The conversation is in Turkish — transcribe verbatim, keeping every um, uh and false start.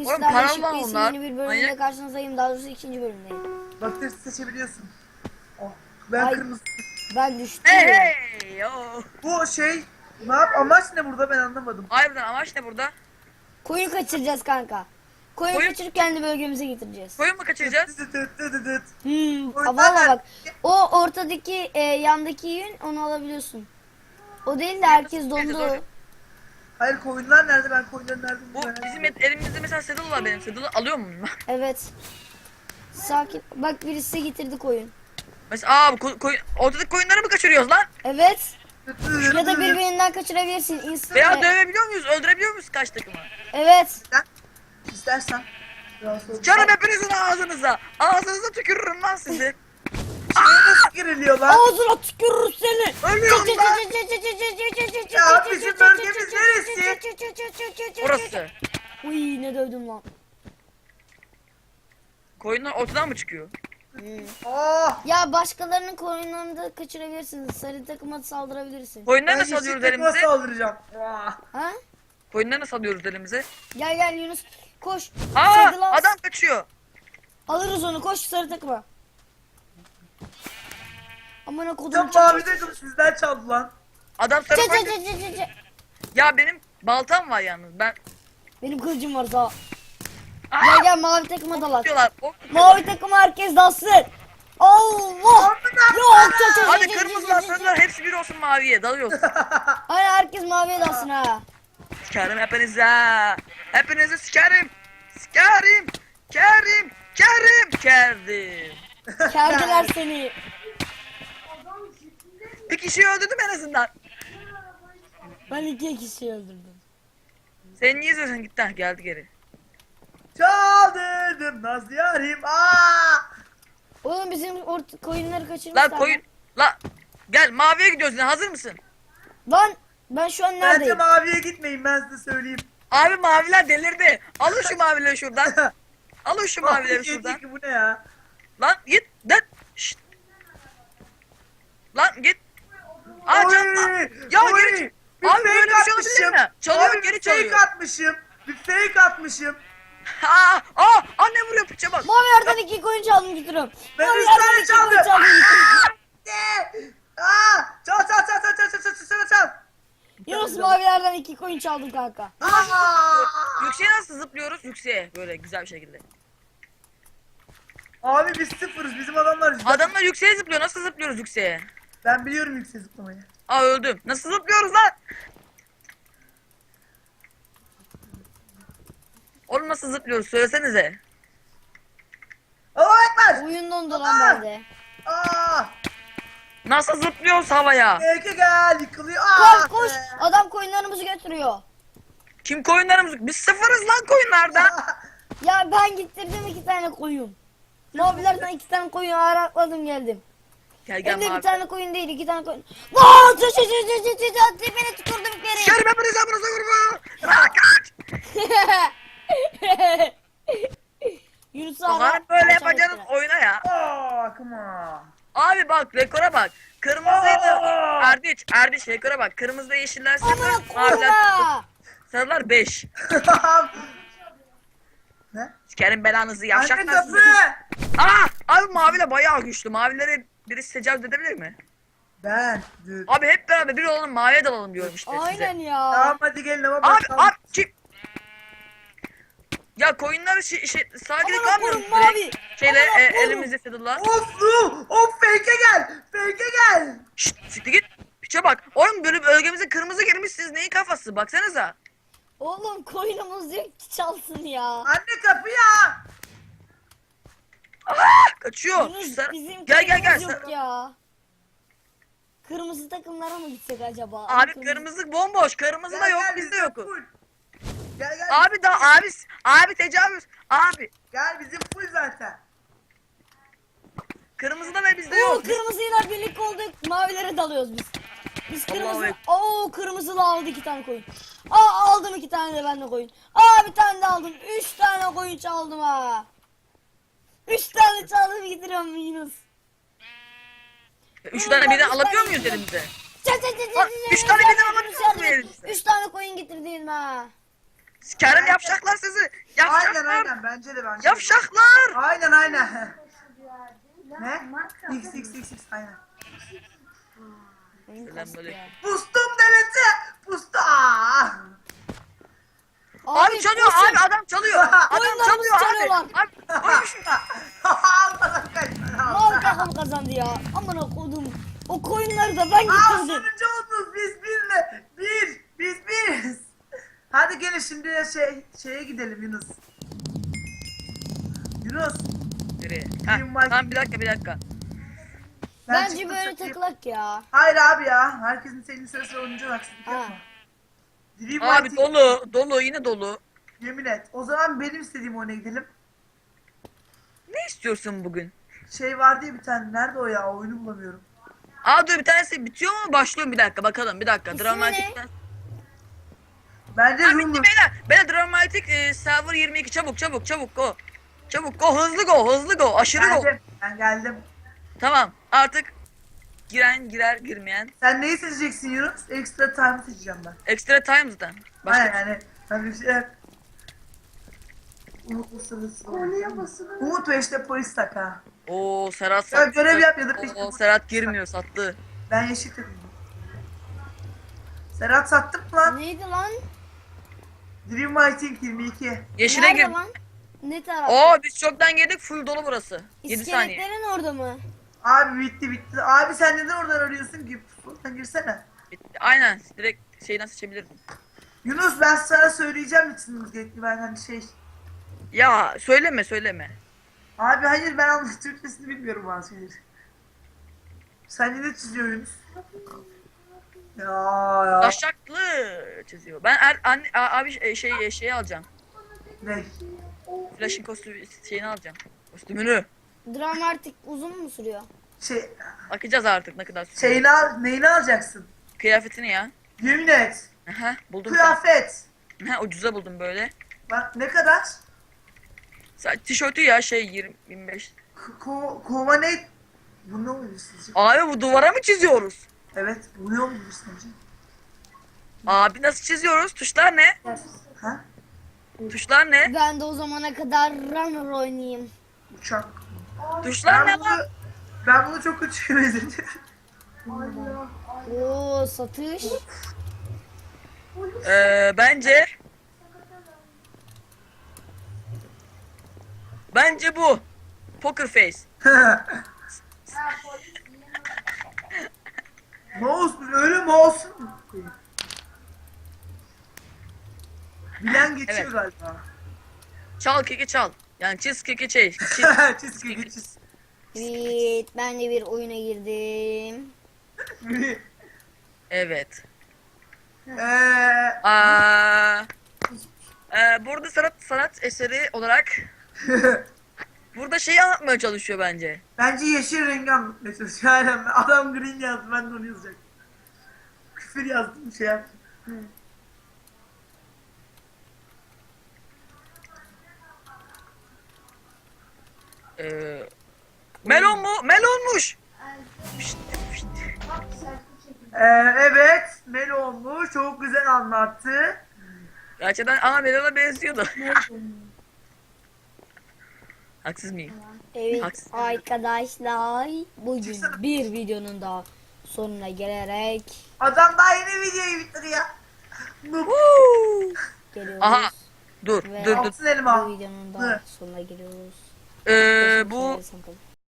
Oğlum Sizlerle paralı Şık lan Bey'sin onlar. yeni bir bölümde Manyak. karşınızdayım. Daha doğrusu ikinci bölümdeyim. Bakır seçebiliyorsun. Oh, ben Ay. kırmızı. Ben düştüm. Hey hey yo. Bu şey ne yap? Amaç ne burada ben anlamadım. Harbiden amaç ne burada? Koyun kaçıracağız kanka. Koyun, Koyun- kaçırıp kendi bölgemize getireceğiz. Koyun mu kaçıracağız? Dıt dıt dıt dıt dıt. Hmm. Koyun Valla nerede? bak. O ortadaki e, yandaki yün onu alabiliyorsun. O değil de herkes dondu. Hayır koyunlar nerede? Ben koyunların nerede? Bu merak bizim ediyorum. et- elimizde mesela saddle var benim. Saddle'ı alıyor muyum ben? Evet. Sakin. Bak birisi size getirdi koyun. Mesela aa bu ko- koyun, ortadaki koyunları mı kaçırıyoruz lan? Evet. Dıt dıt dıt Ya da dıt. birbirinden kaçırabilirsin. İnsan. Veya e, dövebiliyor muyuz? Öldürebiliyor muyuz kaç takımı? Evet. İstersen. Rahatsız ol. Çarım hepinizin ağzınıza. Ağzınıza tükürürüm lan sizi. Şeye nasıl giriliyor lan? Ağzına tükürür seni. Ölüyorum lan. Ya bizim bölgemiz neresi? Burası. Uy ne dövdüm lan. Koyunlar ortadan mı çıkıyor? Oh! Ya başkalarının koyunlarını da kaçırabilirsiniz. Sarı takıma saldırabilirsin. Koyunları Ben nasıl alıyoruz yeşil takıma elimize? saldıracağım. Oh. Ha? Koyunları nasıl alıyoruz elimize? Gel gel Yunus. Koş. Aa Sarı lan. adam kaçıyor. Alırız onu. Koş sarı takıma. Amına kodum. Tam mavi takım sizden çaldı lan. Adam sarı koyun. Ya benim baltam var yalnız. Ben Benim kılıcım var sağ. Aa! Gel gel mavi takıma dalar. tutuyorlar. ok tutuyorlar. Mavi takıma herkes dalsın. Allah. Yok çok çok Hadi kırmızılar sarılar hepsi bir olsun maviye dalıyoruz. Hayır herkes maviye dalsın ha. Sikerim hepinize. Hepinizi sikerim. Sikerim. Kerim. Kerim. Kerdim. Kerdiler seni. Bir kişiyi öldürdüm en azından. Ben iki kişi öldürdüm. Sen niye izliyorsun git lan geldi geri. Çaldırdım naz yarim. Aa! Oğlum bizim orta koyunları kaçırmışlar. Lan koyun. La gel maviye gidiyoruz yine hazır mısın? Lan ben şu an Bence neredeyim? maviye gitmeyin ben size söyleyeyim. Abi maviler delirdi. Alın şu mavileri şuradan. Alın şu mavileri Mavi şuradan. ki bu ne ya? Lan git. Lan. Şşt. Lan git. Aa Oy, canım. Ya oy. geri çık. Bir Abi fake böyle bir şey olabilir atmışım. mi? Çalıyor Abi geri bir çalıyor. fake atmışım. Bir fake atmışım. Aa, aa, anne vuruyor piçe bak. Mavi yerden iki koyun çaldım getiriyorum. Ben Mavi üç yerden tane iki çaldım. koyun çaldım getiriyorum. Ne? Aa! Çal çal çal çal çal çal çal çal çal. Yunus mavi yerden iki koyun çaldım kanka. Aa! Yükseğe nasıl zıplıyoruz? Yükseğe böyle güzel bir şekilde. Abi biz sıfırız bizim adamlar. Adamlar yükseğe zıplıyor. Nasıl zıplıyoruz yükseğe? Ben biliyorum yüksek zıplamayı. Aa öldüm. Nasıl zıplıyoruz lan? Oğlum nasıl zıplıyoruz? Söylesenize. Allah ekber. Oyun dondu lan bende. Aa! Nasıl zıplıyoruz havaya? Eke gel yıkılıyor. Koş Aa! koş. Adam koyunlarımızı götürüyor. Kim koyunlarımız? Biz sıfırız lan koyunlardan. Ya ben getirdim iki tane koyun. Mavilerden iki tane koyun arakladım geldim. Gel gel Hem de bir mavi. tane koyun değil iki tane koyun. Lan çı çı çı çı çı çı çı tepene tükürdüm bir kere. Sikerim hepinize amınıza vurma. Aa, kaç. Yunus Bak abi. hani böyle aşağı yapacaksınız gittiler. oyuna ya. Aa, come on. Abi bak rekora bak. Kırmızıydı. Aa! Erdiç, Erdiç rekora bak. Kırmızıda yeşiller sıfır. Amına Maviler koyma. sarılar beş. Ne? Sikerim belanızı Anne yavşaklar kapı. sizi. Aa, abi maviler bayağı güçlü. Mavilere birisi tecavüz edebilir mi? Ben. Dur. Abi hep beraber bir olalım maviye dalalım diyorum işte Aynen size. ya. Tamam hadi gelin ama Abi bakalım. abi kim? Ya koyunları şey, şey sağa gidip Amına kalmıyoruz koyun mavi. direkt. Şeyle Amına e, koyun. elimizde fiddle'la. Of lu. Of fake'e gel. Fake'e gel. Şşt siktir git. Piçe bak. Oğlum böyle bölgemize kırmızı girmiş siz neyin kafası baksanıza. Oğlum koyunumuz yok ki çalsın ya. Anne kapı ya. Kaçıyor. Şu Yunus sarı- bizim Gel gel gel. koyunumuz yok Sarı- ya. Kırmızı takımlara mı gitsek acaba? Abi kırmızı bomboş. Kırmızı da Gel, yok gel, bizde bizim yok. full. Gel gel. Abi da abi abi tecavüz. Abi Gel bizim full zaten. kırmızı da ve bizde Oo yok. kırmızıyla birlik olduk. Mavilere dalıyoruz biz. Biz Allahu kırmızı. Ekber. Oo kırmızılı aldı iki tane koyun. Aa aldım iki tane de ben de koyun. Aa bir tane de aldım. Üç tane koyun çaldım ha. Üç tane çaldım getiriyorum Yunus. Üç tane birden alabiliyor muyuz elimize? Çat çat çat Bak, çat. üç tane birden alabiliyor muyuz elimize? Üç tane koyun getirdim ha. Sikerim yapacaklar sizi. Aynen Yapacaklar. aynen bence de bence. de. Yapacaklar. Aynen aynen. Ne? X X X X aynen. Oyun Selam kastı böyle. ya. Pustum devleti. Pustu. Aa! Abi çalıyor koşun. abi adam çalıyor. Adam Oyunlarımızı çalıyor abi. çalıyorlar. Abi koymuş. Almadan kaçma. Mal takım kazandı ya. Amına kodum. O koyunları da ben Aa getirdim. sonuncu oldunuz biz birle. Bir. Biz biriz. Hadi gelin şimdi şey şeye gidelim Yunus. Yunus. Nereye? Heh, tamam bir dakika bir dakika. ben Bence çıktım, böyle çıkayım. tıklak ya. Hayır abi ya. Herkesin senin sırası olunca haksızlık Ha. yapma. Dream Abi White'i- dolu dolu yine dolu. Yemin et. O zaman benim istediğim oyuna gidelim. Ne istiyorsun bugün? Şey vardı ya bir tane. Nerede o ya? Oyunu bulamıyorum. Aa dur bir tanesi bitiyor mu başlıyor mu bir dakika bakalım bir dakika. İsmi Dramatikten. Bence Ha bitti Rumor. beyler. Beyler dramatik e, server yirmi iki çabuk çabuk çabuk go. Çabuk go hızlı go hızlı go aşırı go. Geldim. Ben geldim. Tamam artık giren girer girmeyen. Sen neyi seçeceksin Yunus? Extra time seçeceğim ben. Extra time zaten. Başka Aynen yani. Ben bir şey... Umut mısınız? Konuya basın. Umut ve işte polis tak ha. Oo Serhat Ya sattı. görev yap ya da peşte Oo polis Serhat tak. girmiyor sattı. Ben yeşil takım. Serhat sattım mı lan? Neydi lan? Dream Fighting yirmi iki. Yeşile Nerede gir. lan? Ne tarafta? Oo biz çoktan girdik full dolu burası. yedi saniye. İskeletlerin orada mı? Abi bitti bitti. Abi sen neden oradan arıyorsun ki? Buradan girsene. Bitti. Aynen direkt şeyden seçebilirdim. Yunus ben sana söyleyeceğim içsiniz gerekli ben hani şey. Ya söyleme söyleme. Abi hayır ben anladım Türkçesini bilmiyorum bazı şeyleri. Sen ne çiziyorsun Yunus? Ya ya. Taşaklı çiziyor. Ben er, anne, a- abi şey şey şeyi alacağım. Ne? Flash'ın kostümü şeyini alacağım. Kostümünü. Dram artık uzun mu sürüyor? Şey, Bakacağız artık ne kadar sürüyor. şeyini al, neyini alacaksın? Kıyafetini ya. Yemin et. Aha buldum. bir tane. Kıyafet. Ha ucuza buldum böyle. Bak ne kadar? Sa- Tişörtü ya şey yirmi yirmi beş. K- Ko kova ne? Bu ne oluyor sizce? Abi bu duvara mı çiziyoruz? Evet, bu ne oluyor sence? Abi nasıl çiziyoruz? Tuşlar ne? Ha? Tuşlar ne? Ben de o zamana kadar runner oynayayım. Uçak. Tuşlar ne Ben bunu, lan? ben bunu çok kötü benziyorum. Oo satış. Ee, bence Bence bu. Poker face. Mouse öyle mouse mu? Bilen geçiyor Evet. galiba. Çal keki çal. Yani çiz keki çiz. Çiz. Çizgi geçiz. Evet ben de bir oyuna girdim. Evet. Eee Aa, e, burada sanat sanat eseri olarak burada şeyi anlatmaya çalışıyor bence. bence yeşil rengi anlatmaya çalışıyor. Aynen adam green yazdı ben de onu yazacaktım. Küfür yazdım şey yaptım. Ee, melon mu? Melonmuş. Pişt, pişt. Ee, evet Melo olmuş çok güzel anlattı. Gerçekten ana melona benziyordu. Haksız mıyım? Evet Haksız. arkadaşlar bugün Çıksana. bir videonun da sonuna gelerek Adam daha yeni videoyu bitiriyor. Noob. Woo! geliyoruz. Aha. Dur, Ve dur, dur. Altın elma. Bu videonun da Dur. sonuna geliyoruz. Ee, bu Görüşmek üzere,